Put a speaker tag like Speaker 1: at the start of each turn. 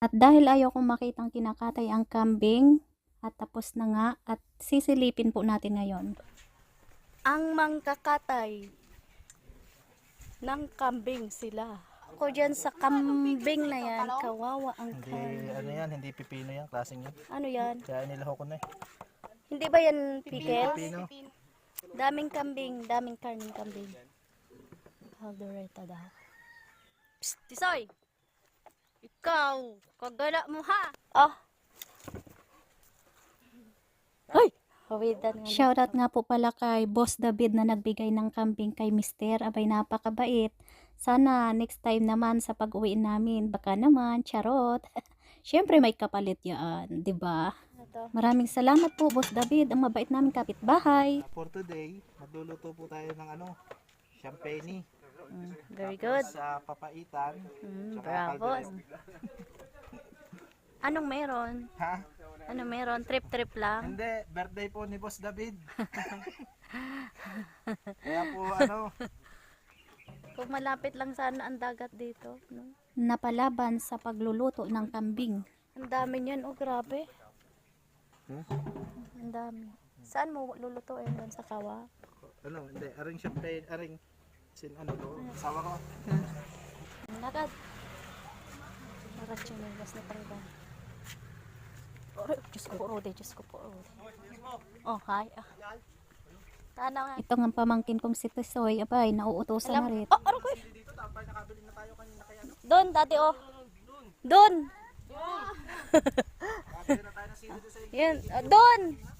Speaker 1: At dahil ayaw kong makitang kinakatay ang kambing, at tapos na nga, at sisilipin po natin ngayon. Ang mangkakatay ng kambing sila. Ako dyan sa kambing na yan, kawawa ang
Speaker 2: Hindi,
Speaker 1: kambing.
Speaker 2: ano yan, hindi pipino yan, klaseng yan.
Speaker 1: Ano yan?
Speaker 2: Kaya nilaho ko na eh.
Speaker 1: Hindi ba yan pickles?
Speaker 2: Pipino.
Speaker 1: Daming kambing, daming karning kambing. Haldoreta daw. Psst, Tisoy! Ikaw, kagala mo ha! Oh! Ay! Shoutout nga po pala kay Boss David na nagbigay ng kambing kay Mister. Abay, napakabait. Sana next time naman sa pag-uwi namin, baka naman, charot. Siyempre may kapalit yan, 'di ba? Maraming salamat po, Boss David. Ang mabait namin kapitbahay.
Speaker 2: For today, magluluto po tayo ng champagne.
Speaker 1: Very good.
Speaker 2: Sa papaitan.
Speaker 1: Bravo. Anong meron?
Speaker 2: Ha?
Speaker 1: Ano meron? Trip-trip lang?
Speaker 2: Hindi, birthday po ni Boss David. Kaya po
Speaker 1: Kung malapit lang sana ang dagat dito, no? Napalaban sa pagluluto ng kambing. Ang dami niyan, oh grabe. Ang dami. Saan mo lulutuin? Doon sa kawa?
Speaker 2: Hindi, aring champagne, aring sawa ko.
Speaker 1: Nagad. Narat yung nilas na tanggal. Oh, Diyos ko po, Rode. Diyos ko po, Rode. Oh, hi. Tanaw nga. Ito nga pamangkin kong si Tisoy. Abay, nauutosan na rin. Oh, ano ko eh? Doon, dati oh. Doon. Yan, doon.